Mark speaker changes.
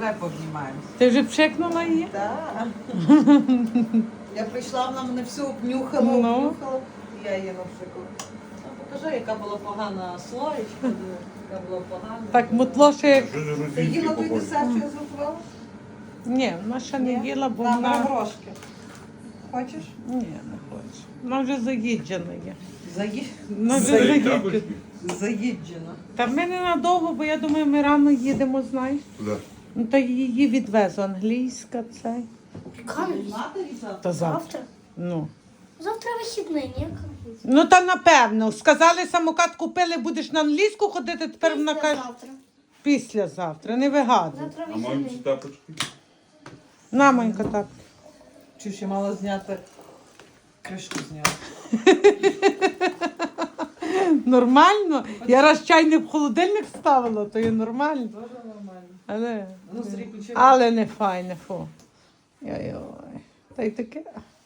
Speaker 1: Давай пообнімаємося.
Speaker 2: Ти вже пшикнула її?
Speaker 1: Так. Я прийшла, вона мене всю обнюхала,
Speaker 2: Ну.
Speaker 1: обнюхала. Я її напшикала. Покажи, яка була погана слоєчка, яка була погана.
Speaker 2: Так мутло ще як...
Speaker 1: Ти їла той десерт, що я зготувала?
Speaker 2: Ні, вона ще не їла, бо
Speaker 1: На
Speaker 2: вона...
Speaker 1: горошки. Хочеш?
Speaker 2: Ні, не хоче. Вона вже заїджена є. Вона вже
Speaker 1: Заї-
Speaker 2: заїджена.
Speaker 1: Заїджена.
Speaker 2: Та в мене надовго, бо я думаю, ми рано їдемо, знаєш.
Speaker 3: Куди?
Speaker 2: Ну, та її відвезу, англійська цей.
Speaker 1: Матері завтра?
Speaker 2: Та завтра.
Speaker 4: Завтра?
Speaker 2: Ну.
Speaker 4: Завтра вихідний, ні?
Speaker 2: Ну, та напевно. Сказали, самокат купили, будеш на англійську ходити, тепер вона каже
Speaker 4: Завтра.
Speaker 2: післязавтра. Не вигадуй.
Speaker 4: Завтра
Speaker 3: А маємо ці
Speaker 4: вихідний.
Speaker 3: тапочки?
Speaker 2: На, Манька, так.
Speaker 1: Чи ще мала зняти кришку зняти?
Speaker 2: Нормально? Я раз чайник в холодильник ставила, то є нормально.
Speaker 1: Дуже нормально.
Speaker 2: Але,
Speaker 1: Ну, Сергій, включи.
Speaker 2: але не файне, фу. Ой-ой. Та й таке.